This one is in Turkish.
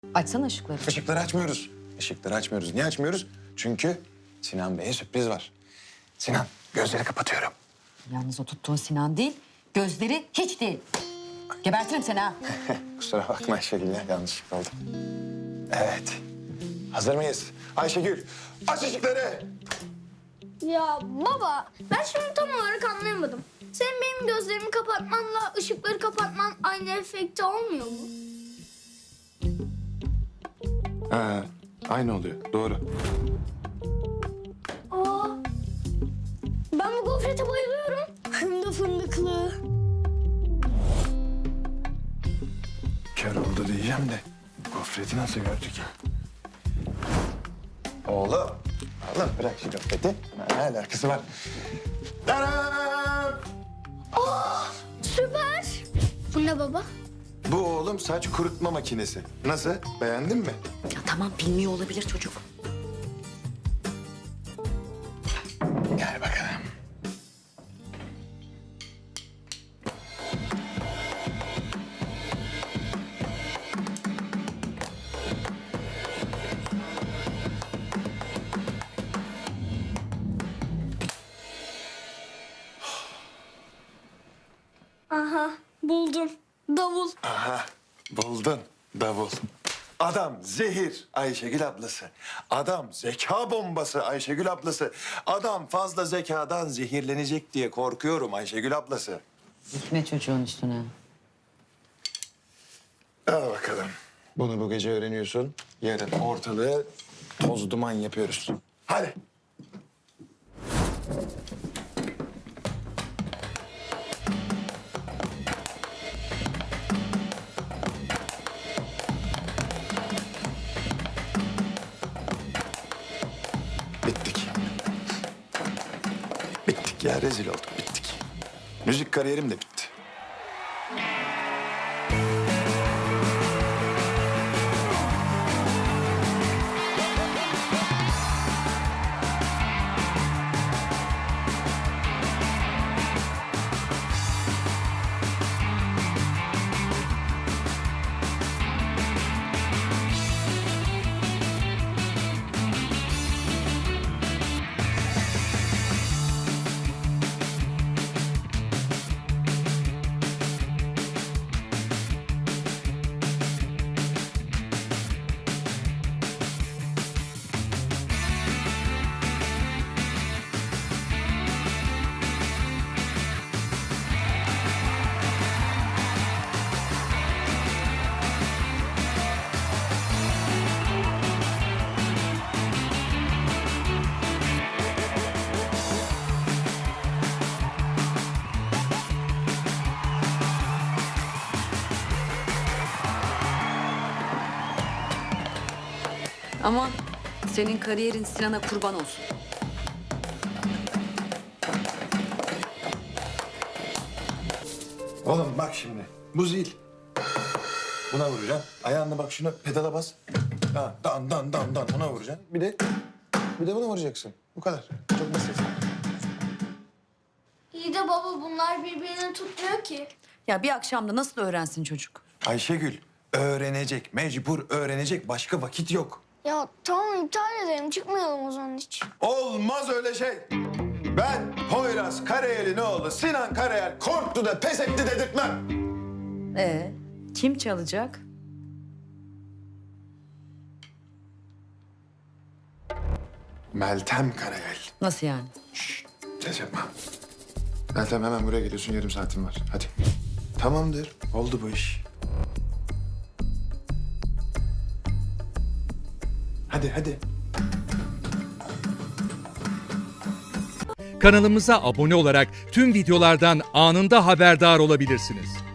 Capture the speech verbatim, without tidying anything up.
Açsana ışıkları. Işıkları açmıyoruz. Işıkları açmıyoruz. Niye açmıyoruz? Çünkü Sinan Bey'e sürpriz var. Sinan, gözleri kapatıyorum. Yalnız o tuttuğun Sinan değil, gözleri hiç değil. Gebertirim seni ha. Kusura bakma Ayşegül ya, yanlışlıkla oldu. Evet. Hazır mıyız? Ayşegül, aç ışıkları. Ya baba, ben şimdi tam olarak anlayamadım. Senin benim gözlerimi kapatmanla ışıkları kapatman aynı efekte olmuyor mu? Ha, aynı oluyor. Doğru. Aa, ben bu gofrete bayılıyorum. Hem de fındıklı. Kör oldu diyeceğim de gofreti nasıl gördü ki? Oğlum. Oğlum bırak şu gofreti. Ne alakası var? Tadam! Süper. Bu ne baba? Bu oğlum saç kurutma makinesi. Nasıl? Beğendin mi? Ya tamam, bilmiyor olabilir çocuk. Gel bakalım. Aha, buldum. Davul. Aha, buldun davul. Adam zehir Ayşegül ablası. Adam zeka bombası Ayşegül ablası. Adam fazla zekadan zehirlenecek diye korkuyorum Ayşegül ablası. Gitme çocuğun üstüne. Al bakalım. Bunu bu gece öğreniyorsun. Yarın ortalığı toz duman yapıyoruz. Hadi. Bittik. Bittik ya, rezil olduk, bittik. Müzik kariyerim de bitti. Aman senin kariyerin Sinan'a kurban olsun. Oğlum bak şimdi, bu zil. Buna vuracaksın. Ayağınla bak şuna pedala bas. Ha, dan dan dan dan ona vuracaksın. Bir de bir de buna vuracaksın. Bu kadar. Çok basit. İyi de baba bunlar birbirini tutmuyor ki. Ya bir akşamda nasıl öğrensin çocuk? Ayşegül öğrenecek, mecbur öğrenecek. Başka vakit yok. Ya tamam iptal edelim çıkmayalım o zaman hiç. Olmaz öyle şey. Ben Poyraz Karayel'in oğlu Sinan Karayel korktu da pes etti dedirtmem. Ee, kim çalacak? Meltem Karayel. Nasıl yani? Şşş, ses yapma. Meltem hemen buraya geliyorsun, yarım saatin var. Hadi. Tamamdır, oldu bu iş. Hadi, hadi. Kanalımıza abone olarak tüm videolardan anında haberdar olabilirsiniz.